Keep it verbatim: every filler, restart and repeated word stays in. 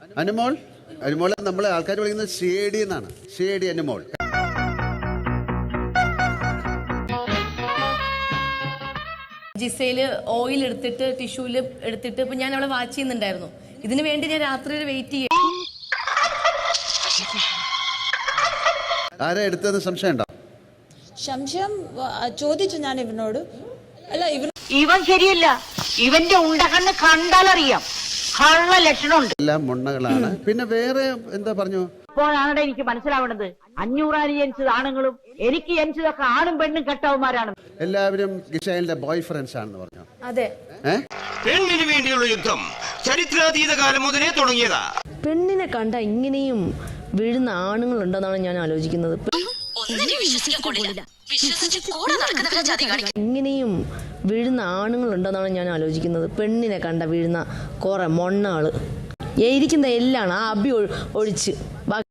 അനുമോൾ അനുമോൾ നമ്മളെ ആൾക്കാർ വിളിക്കുന്നത് ഷേഡി എന്നാണ്. ഷേഡി അനുമോൾ. ജിസയില് ഓയിൽ എടുത്തിട്ട് ടിഷ്യൂല് എടുത്തിട്ട് ഇപ്പൊ ഞാൻ അവളെ വാച്ച് ചെയ്യുന്നുണ്ടായിരുന്നു. ഇതിനു വേണ്ടി ഞാൻ രാത്രി വെയിറ്റ് ചെയ്യും. ആരാ എടുത്തതെന്ന് സംശയം ഉണ്ടോ? സംശയം ചോദിച്ചു ഞാൻ ഇവനോട്. അല്ല ഇവൻ ഇവൻ ശരിയല്ല, ഇവന്റെ ഉണ്ടകണ്ണ് കണ്ടാലറിയാം കള്ള ലക്ഷണമുണ്ട്. എല്ലാം മുണ്ണകളാണ്. പിന്നെ വേറെ എന്താ പറഞ്ഞു? ഇപ്പോഴാണ് എനിക്ക് മനസ്സിലാവുന്നത് അഞ്ഞൂറാന് ജനിച്ചത് ആണുങ്ങളും എനിക്ക് ജനിച്ചതൊക്കെ ആണും പെണ്ണും കെട്ടവന്മാരാണ്. എല്ലാവരും ഗിഷൈലിന്റെ ബോയ് ഫ്രണ്ട്സ് ആണെന്ന് പറഞ്ഞു. അതെ, പെണ്ണിന് വേണ്ടിയുള്ള യുദ്ധം ചരിത്രാതീത കാലം മുതലേ തുടങ്ങിയതാ. പെണ്ണിനെ കണ്ട ഇങ്ങനെയും വീഴുന്ന ആണുങ്ങളുണ്ടെന്നാണ് ഞാൻ ആലോചിക്കുന്നത്. ഇങ്ങനെയും വീഴുന്ന ആണുങ്ങളുണ്ടെന്നാണ് ഞാൻ ആലോചിക്കുന്നത്. പെണ്ണിനെ കണ്ട വീഴുന്ന കുറെ മൊണ്ണാള് ഇരിക്കുന്ന എല്ലാം ആ അബി ഒഴിച്ച്